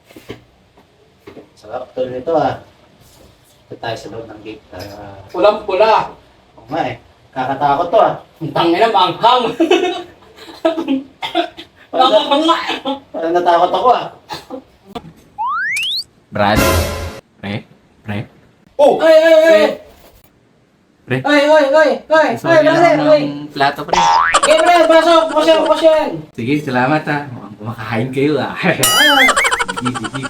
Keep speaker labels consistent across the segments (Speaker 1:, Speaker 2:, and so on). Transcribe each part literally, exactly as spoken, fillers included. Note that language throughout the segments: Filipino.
Speaker 1: Sarap to nito ah. Ito tayo sa loob ng gate. Uh,
Speaker 2: Pulang-pula.
Speaker 1: Oo nga eh. Kakatakot to ah.
Speaker 2: Ang tangin na, manghang. Manghang nga.
Speaker 1: Parang natakot ako ah.
Speaker 3: Brad? Pre? Pre?
Speaker 2: Oh! Ay, ay, ay!
Speaker 3: Pre?
Speaker 2: Ay, ay, ay, ay! Ay,
Speaker 3: Sorry
Speaker 2: brother,
Speaker 3: lang
Speaker 2: ay!
Speaker 3: ng plato, pre.
Speaker 2: Okay, pre, pasok! Bukas yan, bukas yan!
Speaker 3: Sige, salamat ha. Mukhang kumakain kayo ah. Sige, sige.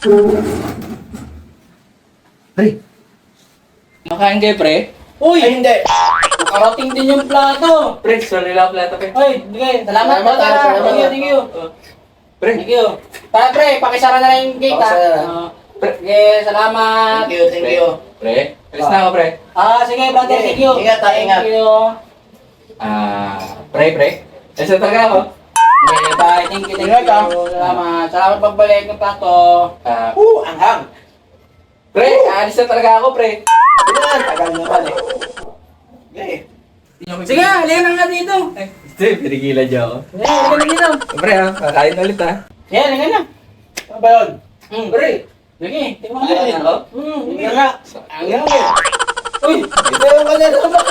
Speaker 3: Pre?
Speaker 2: Makain kayo, pre? Uy!
Speaker 1: Ay hindi.
Speaker 2: Nakarating din yung plato!
Speaker 3: Pre, sorry lang plato, pre.
Speaker 2: Ay, sige, salamat,
Speaker 1: Salamat,
Speaker 2: brother!
Speaker 1: ah, salamat.
Speaker 2: Thank you, thank you!
Speaker 3: Pre?
Speaker 2: Thank you! Tara, pre, pakisara na lang yung gate, ha?
Speaker 1: Pakisara.
Speaker 2: Ah, Sige, salamat!
Speaker 1: Thank you, thank you.
Speaker 3: Pre? Alis na ako, pre.
Speaker 2: Ah, sige, brother,
Speaker 1: Sige,
Speaker 2: thank you!
Speaker 1: ingat, ah, ingat.
Speaker 2: Thank you!
Speaker 3: Ah, pre, pre? Alis na talaga ako.
Speaker 2: Okay, bye. Thank you, thank
Speaker 1: Ingat, ah.
Speaker 2: you. Salamat. Salamat pagbalik ng plato.
Speaker 3: Ah,
Speaker 1: Uh, anghang.
Speaker 3: pre, alis na talaga ako, pre.
Speaker 1: Yan, tagal naman eh. Okay.
Speaker 2: Sige, halika na nga dito.
Speaker 3: Ay, hindi, pinigilan niyo ako.
Speaker 2: Sige, halika na dito.
Speaker 3: Pre, ah, kakain ulit ah.
Speaker 2: Sige, halika na.
Speaker 1: Ano ba yun?
Speaker 2: Hmm.
Speaker 1: Pre,
Speaker 2: Sige, tingnan mo
Speaker 1: Halika
Speaker 2: na.
Speaker 1: na.
Speaker 2: Hmm,
Speaker 1: hindi
Speaker 2: sige.
Speaker 1: nga. Anghang eh.
Speaker 2: Uy,
Speaker 1: Ito yung kanina ba?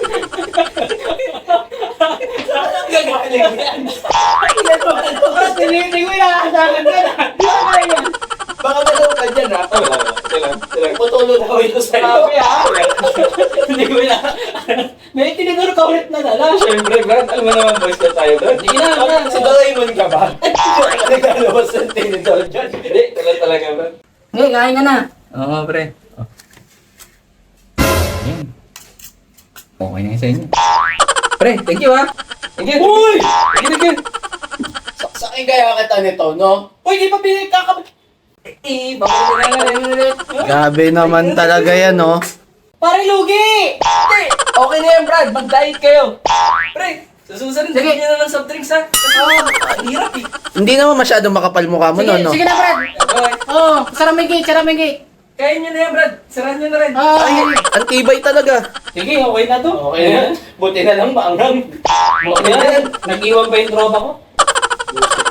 Speaker 2: tinitig mo yung nakasakan ka na. Di ba kaya yan?
Speaker 1: Baka malaw ka dyan ha?
Speaker 3: Oh, wala, wala. Ito lang, ito lang.
Speaker 1: Putulo daw ito sa'yo.
Speaker 2: Sabi ha? Hindi ko na. May tinidor ka ulit na dala.
Speaker 3: Siyempre, Brad, alam mo naman boys na tayo doon.
Speaker 2: Sige na, na.
Speaker 1: Si Doraemon ka ba? Naglalabas ng tinidor dyan.
Speaker 3: Hindi, talaga talaga, Brad.
Speaker 2: Sige, kain ka na.
Speaker 3: Oo, pre. Oh. Ayan. Okay na yun sa inyo. Pre, thank you ah. Thank you.
Speaker 1: Uy!
Speaker 3: Thank you, thank you.
Speaker 1: Saksakin kaya kita nito, no?
Speaker 2: Uy, di pa pinag kakab...
Speaker 3: Eh, baka na nga rin ulit.
Speaker 1: Grabe naman talaga yan, no?
Speaker 2: Pare, lugi!
Speaker 3: Hindi, okay na yan, Brad. Mag-diet kayo. Pre, sa susunod,
Speaker 2: Sige.
Speaker 3: sige na lang soft drinks ha. Kasi ang hirap eh.
Speaker 1: Hindi naman masyadong makapal mukha mo,
Speaker 2: Sige,
Speaker 1: no? no?
Speaker 2: sige na, Brad.
Speaker 3: Okay.
Speaker 2: Oo, oh, sara may gate, sara may gate.
Speaker 3: Kaya nyo na yan, Brad. Sarahan nyo na rin.
Speaker 2: Ah,
Speaker 1: Ay, ang tibay talaga.
Speaker 2: sige, okay na to.
Speaker 1: Okay na yan. Buti na lang maanghang.
Speaker 2: Okay na yan. Nag-iwan pa yung tropa ko.